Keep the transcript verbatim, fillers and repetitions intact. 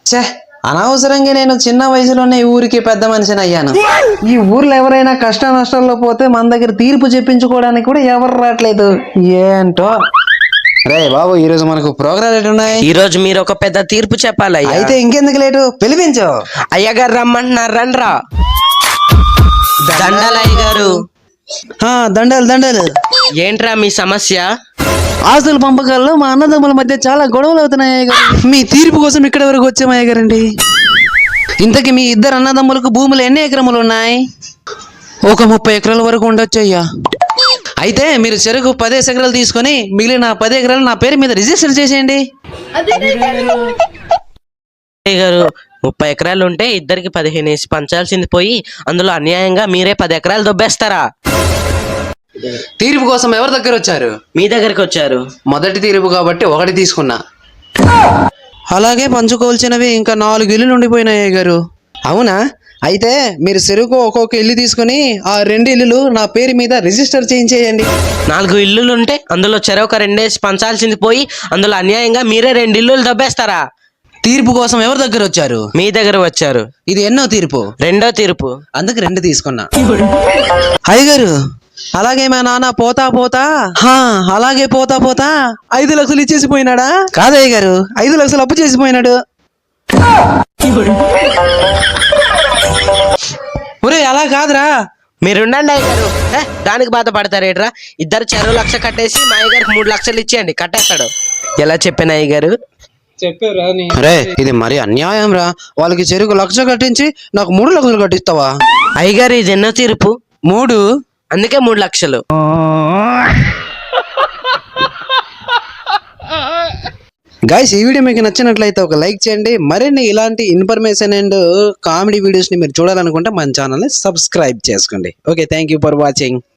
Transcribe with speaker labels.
Speaker 1: ఛే, అనవసరంగా నేను చిన్న వయసులోనే ఈ ఊరికి పెద్ద మనిషిని అయ్యాను. ఈ ఊర్లో ఎవరైనా కష్ట నష్టాల్లో పోతే మన దగ్గర తీర్పు చెప్పించుకోవడానికి కూడా ఎవరు రావట్లేదు. ఏంటో. రే బాబు, ఈ రోజు మనకు ప్రోగ్రామ్ ఎట్టున్నాయి?
Speaker 2: ఈ రోజు మీరు ఒక పెద్ద తీర్పు చెప్పాలి.
Speaker 1: అయితే ఇంకెందుకు లేటు, పిలిపించు.
Speaker 2: అయ్యగారు రమ్మంటున్నారు, రండ్రా. దండాలయ్య గారు.
Speaker 1: ఆ, దండలు దండలు.
Speaker 2: ఏంట్రా మీ సమస్య?
Speaker 1: ఆస్తుల పంపకాల్లో మా అన్నదమ్ముల మధ్య చాలా గొడవలు అవుతున్నాయి అయ్య గారు. మీ తీర్పు కోసం ఇక్కడ వరకు వచ్చాము అయ్య గారండి. ఇంతకీ మీ ఇద్దరు అన్నదమ్ములకు భూములు ఎన్ని ఎకరములు ఉన్నాయి? ఒక ముప్పై ఎకరాల వరకు ఉండొచ్చు అయ్యా. అయితే మీరు చెరుకు పదేసి ఎకరాలు తీసుకొని మిగిలిన పది ఎకరాలు నా పేరు మీద రిజిస్టర్ చేసేయండి.
Speaker 2: అయ్య గారు, ముప్పై ఎకరాలు ఉంటే ఇద్దరికి పదిహేను వేసి పంచాల్సింది పోయి అందులో అన్యాయంగా మీరే పది ఎకరాలు దొబ్బేస్తారా?
Speaker 1: తీర్పు కోసం ఎవరి దగ్గర వచ్చారు?
Speaker 2: మీ దగ్గరికి వచ్చారు.
Speaker 1: మొదటి తీర్పు కాబట్టి ఒకటి తీసుకున్నా. అలాగే పంచుకోవాల్సినవి ఇంకా నాలుగు ఇల్లులు ఉండిపోయినాయి గారు. అవునా? అయితే మీరు చెరుకు ఒక్కొక్క ఇల్లు తీసుకుని ఆ రెండు ఇల్లులు నా పేరు మీద రిజిస్టర్ చేయించేయండి.
Speaker 2: నాలుగు ఇల్లులు ఉంటే అందులో చెరొక రెండేసి పంచాల్సింది పోయి అందులో అన్యాయంగా మీరే రెండు ఇల్లులు దొబ్బేస్తారా?
Speaker 1: తీర్పు కోసం ఎవరి దగ్గర వచ్చారు?
Speaker 2: మీ దగ్గర వచ్చారు.
Speaker 1: ఇది ఎన్నో తీర్పు?
Speaker 2: రెండో తీర్పు.
Speaker 1: అందుకు రెండు తీసుకున్నా. అయ్యగారు, అలాగే మా నాన్న పోతా పోతా హా అలాగే పోతా పోతా ఐదు లక్షలు ఇచ్చేసిపోయినాడా? కాదయ్య గారు, ఐదు లక్షలు అప్పు చేసిపోయినాడు. ఒరే, అలా కాదురా.
Speaker 2: మీరుండండి అయ్య గారు. దానికి బాధపడతారేట్రా? ఇద్దరు చెరువు లక్ష కట్టేసి మా అయ్య గారికి మూడు లక్షలు ఇచ్చేయండి, కట్టేస్తాడు. ఎలా చెప్పాను అయ్య గారు?
Speaker 1: రే, ఇది మరి అన్యాయం రా. వాళ్ళకి చెరుకు లక్ష కట్టించి నాకు మూడు లక్షలు కట్టిస్తావా?
Speaker 2: అయ్యగారు, ఇది ఎన్నో తీర్పు?
Speaker 1: మూడు.
Speaker 2: అందుకే మూడు లక్షలు.
Speaker 1: గైస్, ఈ వీడియో మీకు నచ్చినట్లయితే ఒక లైక్ చేయండి. మరిన్ని ఇలాంటి ఇన్ఫర్మేషన్ అండ్ కామెడీ వీడియోస్ ని మీరు చూడాలనుకుంటే మన ఛానల్ ని సబ్స్క్రైబ్ చేసుకోండి. Okay, thank you for watching.